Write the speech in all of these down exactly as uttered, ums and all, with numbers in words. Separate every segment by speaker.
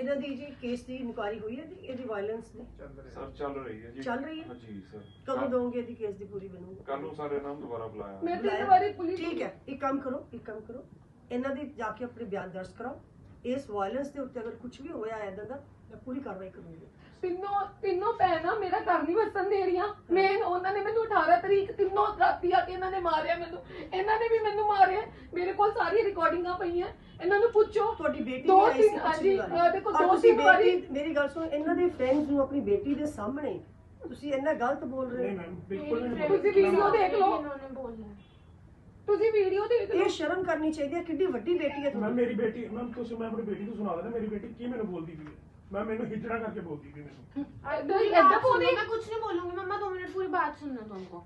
Speaker 1: ਇਹਨਾਂ ਦੀ ਜੀ ਕੇਸ ਦੀ ਇਨਕੁਆਇਰੀ ਹੋਈ ਹੈ ਜੀ, ਇਹਦੀ ਵਾਇਲੈਂਸ ਦੀ
Speaker 2: ਸਰ ਚੱਲ ਰਹੀ ਹੈ ਜੀ,
Speaker 1: ਚੱਲ ਰਹੀ ਹੈ
Speaker 2: ਹਾਂ ਜੀ ਸਰ।
Speaker 1: ਕਦੋਂ ਦੋਗੇ ਇਹਦੀ ਕੇਸ ਦੀ ਪੂਰੀ ਬਣੂਗਾ?
Speaker 2: ਕੱਲ ਨੂੰ ਸਾਰੇ ਨਾਮ ਦੁਬਾਰਾ ਬੁਲਾਇਆ
Speaker 3: ਮੈਂ ਤਿੰਨ ਵਾਰੀ ਪੁਲਿਸ
Speaker 1: ਠੀਕ ਹੈ, ਇੱਕ ਕੰਮ ਕਰੋ ਇੱਕ ਕੰਮ ਕਰੋ ਇਹਨਾਂ ਦੀ ਜਾ ਕੇ ਆਪਣੇ ਬਿਆਨ ਦਰਜ ਕਰਾਓ। ਇਸ ਵਾਇਲੈਂਸ ਦੇ ਉੱਤੇ ਅਗਰ ਕੁਝ ਵੀ ਹੋਇਆ ਇਦਾਂ ਦਾ ਮੈਂ ਪੂਰੀ ਕਾਰਵਾਈ ਕਰੂੰਗੀ।
Speaker 3: ਤਿੰਨੋਂ ਤਿੰਨੋਂ ਭੈਣਾਂ ਮੇਰਾ ਘਰ ਨਹੀਂ ਵਸਣ ਦੇ ਰਹੀਆਂ। ਮੈਂ ਉਹਨਾਂ ਨੇ ਮੈਨੂੰ ਅਠਾਰਾਂ ਤਰੀਕ ਤਿੰਨੋਂ ਰਾਤੀ ਆ ਕੇ ਇਹਨਾਂ ਨੇ ਮਾਰਿਆ ਮੈਨੂੰ, ਇਹਨਾਂ ਨੇ ਵੀ ਮੈਨੂੰ ਮਾਰਿਆ। ਮੇਰੇ ਕੋਲ ਸਾਰੀ ਰਿਕਾਰਡਿੰਗਾਂ ਪਈਆਂ, ਇਹਨਾਂ ਨੂੰ ਪੁੱਛੋ।
Speaker 1: ਤੁਹਾਡੀ ਬੇਟੀ
Speaker 3: ਦੋ
Speaker 1: ਵੀ ਆਈ ਸੀ
Speaker 3: ਤਿੰਨ ਹਾਂਜੀ ਦੇਖੋ
Speaker 1: ਔਰ
Speaker 3: ਦੋ
Speaker 1: ਤੁਸੀਂ
Speaker 3: ਤਿੰਨ ਵਾਰੀ
Speaker 1: ਬੇਟੀ ਮੇਰੀ ਗੱਲ ਸੁਣੋ, ਇਹਨਾਂ ਦੇ ਫਰੈਂਡਸ ਨੂੰ ਆਪਣੀ ਬੇਟੀ ਦੇ ਸਾਹਮਣੇ ਤੁਸੀਂ ਇੰਨਾ ਗਲਤ ਬੋਲ ਰਹੇ ਹੋ।
Speaker 4: ਬਿਲਕੁਲ ਨਹੀਂ।
Speaker 3: ਤੁਸੀਂ ਵੀਡੀਓ ਦੇਖ ਲਓ,
Speaker 5: इन्होंने बोला
Speaker 3: ਤੁਸੀਂ ਵੀਡੀਓ ਦੇਖ ਲਓ।
Speaker 1: ਇਹ ਸ਼ਰਮ ਕਰਨੀ ਚਾਹੀਦੀ ਹੈ, ਕਿੰਨੀ ਵੱਡੀ ਬੇਟੀ ਹੈ
Speaker 4: ਮੈਂ
Speaker 1: ਤੁਹਾਡੀ।
Speaker 4: ਮੇਰੀ ਬੇਟੀ ਮੈਂ ਤੁਸੀਂ ਮੈਂ ਆਪਣੀ ਬੇਟੀ ਨੂੰ ਸੁਣਾ ਦੇਣਾ, ਮੇਰੀ ਬੇਟੀ ਕੀ ਮੈਨੂੰ ਬੋਲਦੀ ਪਈ ਹੈ। ਮੈਂ ਮੈਨੂੰ ਹਿਜੜਾ ਕਰਕੇ ਬੋਲਦੀ ਪਈ ਮੈਨੂੰ।
Speaker 3: ਏਦਾਂ
Speaker 5: पूरी
Speaker 3: ਏਦਾਂ
Speaker 5: बात
Speaker 3: ਬੋਲਦੀ
Speaker 5: सुनो, मैं कुछ नहीं बोलूंगी मम्मा, दो मिनट पूरी बात सुनना तुमको।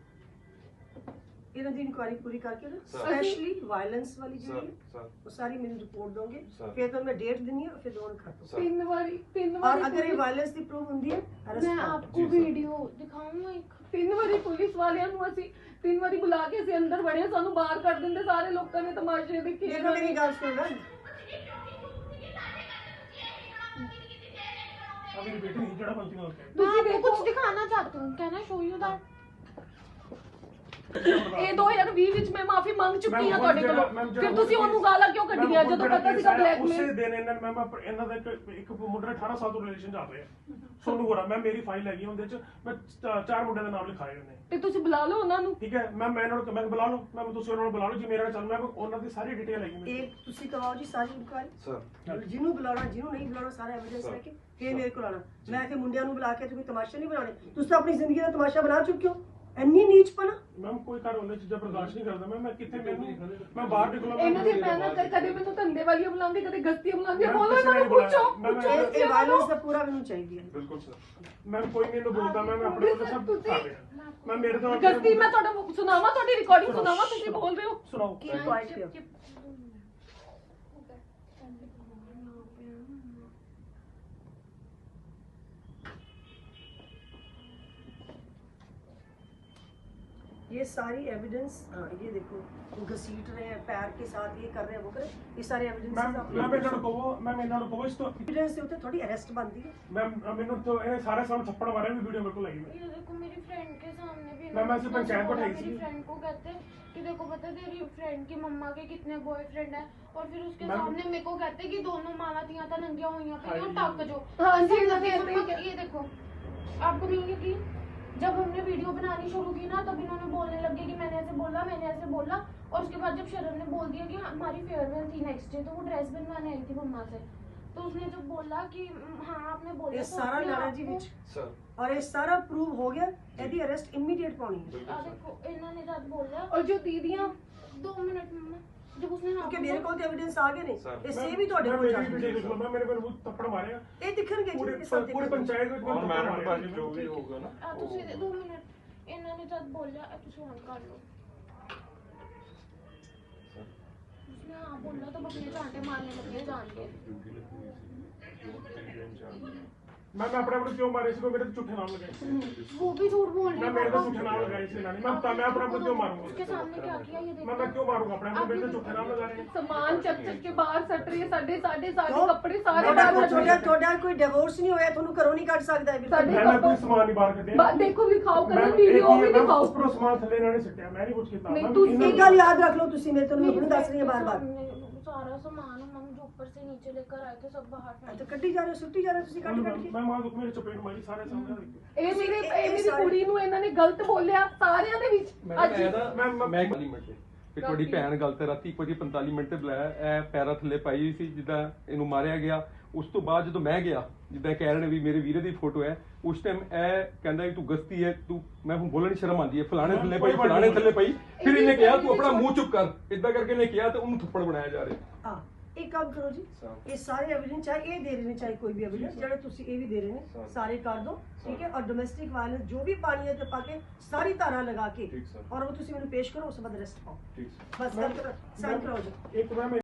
Speaker 1: ਇਹਨਾਂ ਦੀ ਇਨਕੁਆਇਰੀ ਪੂਰੀ ਕਰਕੇ ਨਾ
Speaker 2: ਸਰ।
Speaker 1: ਸਪੈਸ਼ਲੀ ਵਾਇਲੈਂਸ ਵਾਲੀ
Speaker 2: ਸਰ
Speaker 1: ਜਿਹੜੀ ਹੈ
Speaker 2: ਸਰ
Speaker 1: ਉਹ ਸਾਰੀ ਮੈਨੂੰ ਰਿਪੋर्ट ਦੋਗੇ,
Speaker 2: ਸਰ।
Speaker 1: ਫਿਰ ਤਾਂ ਮੈਂ ਡੇਟ ਦਿੰਨੀ ਹੈ, ਫਿਰ ਦੋਨ ਕਰ ਦੋ।
Speaker 2: ਸਰ।
Speaker 3: ਤਿੰਨ ਵਾਰੀ ਤਿੰਨ
Speaker 1: और
Speaker 3: ਵਾਰੀ
Speaker 1: अगर ये
Speaker 3: पुलिस-
Speaker 1: वायलेंस की प्रूव होती है अरेस्ट
Speaker 5: मैं
Speaker 1: करो।
Speaker 5: आपको
Speaker 2: जी, सर।
Speaker 5: वीडियो दिखाऊंगा एक।
Speaker 3: ਤਿੰਨ ਵਾਰੀ ਪੁਲਿਸ ਵਾਲਿਆਂ ਨੂੰ ਅਸੀਂ ਤਿੰਨ ਵਾਰੀ ਬੁਲਾ ਕੇ ਅਸੀਂ ਅੰਦਰ ਵੜੇ, ਸਾਨੂੰ ਬਾਹਰ ਕੱਢ ਦਿੰਦੇ। ਸਾਰੇ ਲੋਕਾਂ ਨੇ ਤਮਾਸ਼ੇ ਦੇਖੇ।
Speaker 1: देखो मेरी गल सुन ना,
Speaker 4: ਆ ਮੇਰੀ ਬੇਟੀ ਹਿਜੜਾ ਬੰਦੀ ਨਾਲ ਕਹਿ
Speaker 5: मैं
Speaker 3: ਤੁਸੀਂ
Speaker 5: आपको
Speaker 3: देखो।
Speaker 5: कुछ दिखाना चाहती हूँ, can I show you that?
Speaker 3: ਇਹ ਦੋ ਹਜ਼ਾਰ ਵੀਹ ਵਿੱਚ ਮੈਂ ਮਾਫੀ ਮੰਗ ਚੁੱਕੀ ਹਾਂ ਤੁਹਾਡੇ ਕੋਲੋਂ।
Speaker 4: ਮੈਮ, ਜਿਹੜਾ
Speaker 3: ਫਿਰ ਤੁਸੀਂ ਉਹਨੂੰ ਗਾਲਾਂ ਕਿਉਂ ਕੱਢੀਆਂ
Speaker 4: ਮੈਮ,
Speaker 3: ਜਦੋਂ
Speaker 4: ਜਿਹੜਾ
Speaker 3: ਪਤਾ
Speaker 4: ਕੇਸ
Speaker 3: ਸੀਗਾ
Speaker 4: ਆਇਆ,
Speaker 3: ਬਲੈਕਮੇਲ?
Speaker 4: ਉਸੇ ਦਿਨ ਇਹਨਾਂ ਮੈਂ ਮੈਂ ਇਹਨਾਂ ਦਾ ਇੱਕ ਇੱਕ ਮੁੰਡਾ ਅਠਾਰਾਂ ਸਾਲ ਤੋਂ ਰਿਲੇਸ਼ਨ ਚੱਲ ਰਿਹਾ ਸੋਨੂ ਗੋਰਾ। ਮੈਂ ਮੇਰੀ ਫਾਈਲ ਹੈਗੀ ਉਹਦੇ ਚ, ਮੈਂ ਚ- ਚਾਰ ਮੁੰਡਿਆਂ ਦਾ ਨਾਮ ਲਿਖਾਏ ਉਹਨੇ।
Speaker 3: ਤੇ ਤੁਸੀਂ ਬੁਲਾ ਲਓ ਉਹਨਾਂ ਨੂੰ।
Speaker 4: ਠੀਕ ਹੈ ਮੈਂ ਮੈਂ ਇਹਨਾਂ ਨੂੰ ਮੈਂ ਬੁਲਾ ਲਓ, ਮੈਂ ਤੁਸੀਂ ਉਹਨਾਂ ਨੂੰ ਬੁਲਾ ਲਓ ਜੀ, ਮੇਰਾ ਚੱਲ ਮੈਂ ਉਹਨਾਂ ਦੀ ਸਾਰੀ ਡਿਟੇਲ ਹੈਗੀ ਮੇਰੇ
Speaker 1: एक तुसी करवाओ जी सारी इंक्वायरी,
Speaker 2: ਸਰ
Speaker 1: जिन्हों बुलाना जिन्हों नहीं बुलाना सारा एविडेंस
Speaker 2: सर।
Speaker 1: लेके फिर मेरे को लाना। मैं के मुंडिया नु बुला के तो कोई तमाशा नहीं बनाने, तुसी तो अपनी जिंदगी दा तमाशा बना चुके हो। ਇੰਨੀ ਨੀਚਪਨਾ
Speaker 4: ਮੈਮ ਕੋਈ ਘਰ ਉਹਨੇ ਚੀਜ਼ਾਂ ਬਰਦਾਸ਼ਤ ਨਹੀਂ ਕਰਦਾ। ਮੈਂ ਮੈਂ ਕਿੱਥੇ ਮੈਨੂੰ ਮੈਂ ਬਾਹਰ ਨਿਕਲਾਂ।
Speaker 3: ਇਹਨਾਂ ਦੀ ਭੈਣਾਂ ਕ- ਕਦੇ ਮੈਨੂੰ ਧੰਦੇ ਵਾਲੀਆਂ ਬੁਲਾਉਂਦੀ, ਕਦੇ ਗਸਤੀਆਂ ਬੁਲਾਉਂਦੀਆਂ।
Speaker 4: ਮੈਂ
Speaker 3: ਬੋਲੋ
Speaker 4: ਕਿਸੇ
Speaker 3: ਇਹਨਾਂ ਨੂੰ,
Speaker 4: ਨੇ ਬੁਲਾਇਆ।
Speaker 3: ਪੁੱਛੋ
Speaker 4: ਮੈਂ-
Speaker 3: ਪੁੱਛੋ
Speaker 4: ਮੈਂ-
Speaker 3: ਤੁਸੀਂ
Speaker 1: ਇਹ
Speaker 3: ਉਹਨਾਂ ਨੂੰ।
Speaker 1: ਵਾਇਲੈਂਸ ਦਾ ਪੂਰਾ ਮੈਨੂੰ ਚਾਹੀਦੀ ਹੈ।
Speaker 2: ਬਿਲਕੁਲ ਸਰ।
Speaker 4: ਮੈਂ ਕੋਈ ਨਹੀਂ ਇਹਨੂੰ ਬੋਲਦਾ, ਮੈਂ ਮੈਂ ਆਪਣੇ ਵੱਲੋਂ ਸਭ ਕਰ ਰਿਹਾ। ਮੈਂ ਮੇਰੇ ਤੋਂ
Speaker 3: ਗਸਤੀ ਮੈਂ ਤੁਹਾਡਾ ਸੁਣਾਵਾਂ, ਤੁਹਾਡੀ ਰਿਕਾਰਡਿੰਗ ਸੁਣਾਵਾਂ, ਤੁਸੀਂ ਬੋਲ ਰਹੇ ਹੋ।
Speaker 4: ਸੁਣਾਓ।
Speaker 1: ਕੀ ਕੁਆਇਟ ਹੈ? ये सारी एविडेंस, ये देखो घसीट रहे हैं पैर के साथ, ये कर रहे हैं वो कर रहे हैं, ये सारे
Speaker 4: ਮੈਂ
Speaker 1: एविडेंस
Speaker 4: ਮੈਂ ਇਹਨਾਂ ਨੂੰ ਕਹੋ ਮੈਂ ਇਹਨਾਂ ਨੂੰ ਕਹੋ ਇਸ ਤੋਂ
Speaker 1: एविडेंस से होते थोड़ी अरेस्ट बनती है।
Speaker 4: ਮੈਂ ਮੈਨੂੰ ਤੋਂ ਇਹਨੇ ਸਾਰੇ ਸਾਹਮਣੇ ਥੱਪੜ ਮਾਰਿਆ ਵੀ ਵੀਡੀਓ ਮੇਰੇ ਕੋਲ ਲੱਗੀ।
Speaker 5: ये देखो मेरी फ्रेंड के सामने भी
Speaker 4: मैं- मैं
Speaker 5: इन्होंने
Speaker 4: सिर्फ पंचायत को
Speaker 5: बोला,
Speaker 4: उठाई
Speaker 5: मेरी
Speaker 4: थी।
Speaker 5: फ्रेंड को कहते कि देखो पता है तेरी फ्रेंड की मम्मा के कितने बॉयफ्रेंड है, और फिर उसके
Speaker 4: मैम-
Speaker 5: सामने मेरे को कहते कि दोनों मावा तिया था नंगिया हुई पे
Speaker 4: हाँ
Speaker 5: और
Speaker 4: जी।
Speaker 5: टक जो।
Speaker 3: हाँ जी,
Speaker 5: सब
Speaker 3: नंगे
Speaker 5: लगे,
Speaker 3: नंगे।
Speaker 5: ये देखो आपको नहीं यकीन, जब हमने वीडियो बनानी शुरू की ना तब इन्होंने बोलने लगे कि मैंने ऐसे बोला मैंने ऐसे बोला, और उसके बाद जब शरण ने बोल दिया कि हमारी फेयरवेल थी नेक्स्ट डे, तो वो ड्रेस बनवाने आई थी मम्मा से, तो उसने जब बोला कि हाँ आपने बोला
Speaker 1: ये
Speaker 5: तो
Speaker 1: सारा
Speaker 5: अपने
Speaker 1: लाना
Speaker 5: आप
Speaker 1: जी
Speaker 5: को-
Speaker 1: विच
Speaker 2: ਸਰ
Speaker 1: और ये सारा प्रूव हो गया, यदि अरेस्ट इमीडिएट पानी है।
Speaker 2: ਬਿਲਕੁਲ
Speaker 5: आ
Speaker 2: ਸਰ।
Speaker 5: देखो इन्होंने जब बोला,
Speaker 3: और जो दीदियां
Speaker 5: दो मिनट मम्मा, जब उसने हाँ
Speaker 1: क्योंकि मेरे
Speaker 5: बोला-
Speaker 1: को तो एविडेंस आ गए
Speaker 2: सर,
Speaker 1: नहीं, इससे भी ਤੁਹਾਡੇ
Speaker 4: ਮੈਂ
Speaker 1: ਕੋਲ
Speaker 4: ਮੇਰੀ ਵੀਡੀਓ
Speaker 1: ਜਾਣਗੇ
Speaker 4: ਦੇਖ ਲਓ। ਮੈਂ ਮੇਰੇ ਕੋਲ ਥੱਪੜ ਮਾਰਿਆ
Speaker 1: ਇਹ ਦਿਖਣਗੇ ਜੀ,
Speaker 4: ਪੂਰੇ
Speaker 1: ਇਹ ਸਭ
Speaker 4: ਪੂਰੇ ਪੰਚਾਇਤ ਵਿੱਚ
Speaker 2: ਔਰ
Speaker 4: ਮੈਨੂੰ
Speaker 2: ਮੈਰਿਟ
Speaker 4: ਥੱਪੜ
Speaker 2: ਬਾਜੀ
Speaker 4: ਮਾਰਿਆ।
Speaker 2: ਜੋ ਵੀ ਹੋਊਗਾ ਨਾ
Speaker 5: ਆ ਤੁਸੀਂ ਦੋ ਮਿੰਟ, ਇਹਨਾਂ ਨੇ ਜਦ ਬੋਲਿਆ ਇਹ ਤੁਸੀਂ ਹੁਣ ਕਰ ਲਓ।
Speaker 2: ਸਰ
Speaker 5: ਉਸਨੇ ਹਾਂ ਬੋਲਾ ਤਾਂ ਆਪਣੇ ਝਾਂਟੇ ਮਾਰਨੇ ਲੱਗੇ ਜਾਣ ਕੇ।
Speaker 2: ਡਿਊਟੀ ਲੱਗੀ ਹੋਈ ਸੀ ਜੋ ਤਿੰਨ ਦਿਨ ਚਾਰ
Speaker 4: ਮੈਂ ਮੈਂ ਆਪਣੇ ਆਪਣੇ ਕਿਉਂ ਮਾਰੇ ਸੀ? ਕੋਈ ਮੇਰੇ ਤੇ ਝੂਠੇ ਨਾਮ ਲਗਾਏ ਸੀ।
Speaker 5: वो भी झूठ बोल रही
Speaker 4: ਮੈਂ
Speaker 5: है
Speaker 4: ਮੇਰੇ ਤੇ
Speaker 5: पापा।
Speaker 4: ਝੂਠੇ ਨਾਮ ਲਗਾਏ ਸੀ ਇਹਨਾਂ ਨੇ। ਮੈਂ ਤਾਂ ਮੈਂ ਆਪਣੇ ਆਪਣੇ ਕਿਉਂ
Speaker 5: उसके
Speaker 4: ਮਾਰੂੰਗਾ?
Speaker 5: सामने क्या किया ये
Speaker 4: ਮੈਂ ਮੈਂ
Speaker 5: देखो।
Speaker 4: ਕਿਉਂ ਮਾਰੂੰਗਾ ਆਪਣੇ ਆਪਣੇ? ਮੇਰੇ ਤੇ ਝੂਠੇ ਨਾਮ ਲਗਾ ਰਹੇ ਨੇ।
Speaker 3: ਸਮਾਨ ਚੱਕ ਚੱਕ ਕੇ ਬਾਹਰ ਸੱਟ ਰਹੀ ਹੈ। ਸਾਡੇ ਸਾਡੇ ਸਾਡੇ
Speaker 1: ਕਿਉਂ?
Speaker 3: ਕੱਪੜੇ ਸਾਰੇ
Speaker 1: ਤੁਹਾਡਾ
Speaker 3: ਬਾਹਰ
Speaker 1: ਕੋਈ
Speaker 3: ਸੱਟ ਰਹੀ
Speaker 1: ਤੁਹਾਡਾ
Speaker 3: ਹੈ।
Speaker 1: ਤੁਹਾਡਾ ਕੋਈ ਡਿਵੋਰਸ ਨਹੀਂ ਹੋਇਆ, ਤੁਹਾਨੂੰ ਘਰੋਂ ਨਹੀਂ ਕੱਢ ਸਕਦਾ ਹੈ
Speaker 3: ਸਾਡੇ
Speaker 1: ਬਿਲਕੁਲ।
Speaker 4: ਮੈਂ ਕੋਈ ਸਮਾਨ ਨਹੀਂ ਬਾਹਰ ਕੱਢਿਆ।
Speaker 3: ਬਾ- ਦੇਖੋ ਵਿਖਾਓ
Speaker 4: ਮੈਂ
Speaker 3: ਕਰੋ, ਵੀਡੀਓ ਵੀ
Speaker 4: ਮੈਂ
Speaker 3: ਦਿਖਾਓ।
Speaker 4: ਉੱਪਰੋਂ ਸਮਾਨ ਥੱਲੇ ਇਹਨਾਂ ਨੇ ਸਿੱਟਿਆ, ਮੈਂ ਨਹੀਂ ਕੁਝ ਕੀਤਾ।
Speaker 3: ਨਹੀਂ,
Speaker 4: ਮੈਂ
Speaker 3: ਤੁਸੀਂ
Speaker 4: ਇਹਨਾਂ
Speaker 1: एक गल याद रख लो, तुसी मेरे तो नहीं दस रही है बार बार।
Speaker 5: सारा सामान हम जो ऊपर से नीचे लेकर आए थे सब बाहर फेंक
Speaker 1: तो कड्डी जा रहे हो, सुट्टी जा रहे हो, तुसी कट कट के।
Speaker 4: ਮੈਂ ਮਾਂ ਦੁੱਖ ਮੇਰੇ ਚਪੇਟ ਮਾਰੀ ਸਾਰੇ ਸਾਹਮਣੇ ਦੇਖੋ।
Speaker 3: ਇਹ ਮੇਰੇ
Speaker 1: ਇਹ-
Speaker 3: ਇਹ
Speaker 1: ਇਹ
Speaker 3: ਮੇਰੀ
Speaker 1: ਸਾਰੇ-
Speaker 3: ਕੁੜੀ ਨੂੰ ਇਹਨਾਂ ਨੇ ਗਲਤ ਬੋਲਿਆ ਸਾਰਿਆਂ ਦੇ ਵਿੱਚ।
Speaker 6: ਮੈਡਮ
Speaker 3: ਅੱਜ
Speaker 6: ਇਹਦਾ
Speaker 4: ਮੈਂ-
Speaker 6: ਮੈਂ ਮੈਂ ਪੰਤਾਲੀ ਮਿੰਟ ਤੇ ਤੇ ਤੁਹਾਡੀ ਭੈਣ ਗੱਲ ਤੇ ਰਾਤੀ ਇੱਕ ਵਜੇ ਪੰਤਾਲੀ ਮਿੰਟ ਤੇ ਬੁਲਾਇਆ। ਇਹ ਪੈਰਾਂ ਥੱਲੇ ਪਾਈ ਹੋਈ ਸੀ ਜਿੱਦਾਂ ਇਹਨੂੰ ਮਾਰਿਆ ਗਿਆ। ਉਸ ਤੋਂ ਬਾਅਦ ਜਦੋਂ ਮੈਂ ਗਿਆ, ਜਿੱਦਾਂ ਕਹਿ ਰਹੇ ਨੇ ਵੀ ਮੇਰੇ ਵੀਰੇ ਦੀ ਫੋਟੋ ਹੈ, ਉਸ ਟਾਈਮ ਇਹ ਕਹਿੰਦਾ ਵੀ ਤੂੰ ਗਸਤੀ ਹੈ, ਤੂੰ ਮੈਂ ਹੁਣ ਬੋਲਣ ਸ਼ਰਮ ਆਉਂਦੀ ਹੈ, ਫਲਾਣੇ ਥੱਲੇ ਪਈ ਫਲਾਣੇ ਥੱਲੇ ਪਈ। ਫਿਰ ਇਹਨੇ ਕਿਹਾ ਤੂੰ ਆਪਣਾ ਮੂੰਹ ਚੁੱਪ ਕਰ, ਇਦਾਂ ਕਰਕੇ ਇਹਨੇ ਕਿਹਾ ਤੇ ਉਹਨੂੰ ਥੱਪੜ ਬਣਾਇਆ ਜਾ ਰਿਹਾ।
Speaker 1: हाँ, एक काम करो जी, ये सारे एविडेंस चाहे ये दे रहे हैं चाहे कोई भी एविडेंस जड़े तुसी ये भी दे रहे हैं सारे कर दो, ठीक है। और डोमेस्टिक वायलेंस जो भी पानी है ते पाके सारी धारा लगा के
Speaker 2: ठीक सर।
Speaker 1: और वो तुसी मैंने पेश करो, उस बाद अरेस्ट पाओ।
Speaker 2: ਠੀਕ ਸਰ।
Speaker 1: बस कर साइन कराओ जी।
Speaker 4: ਇੱਕ ਮੈਂ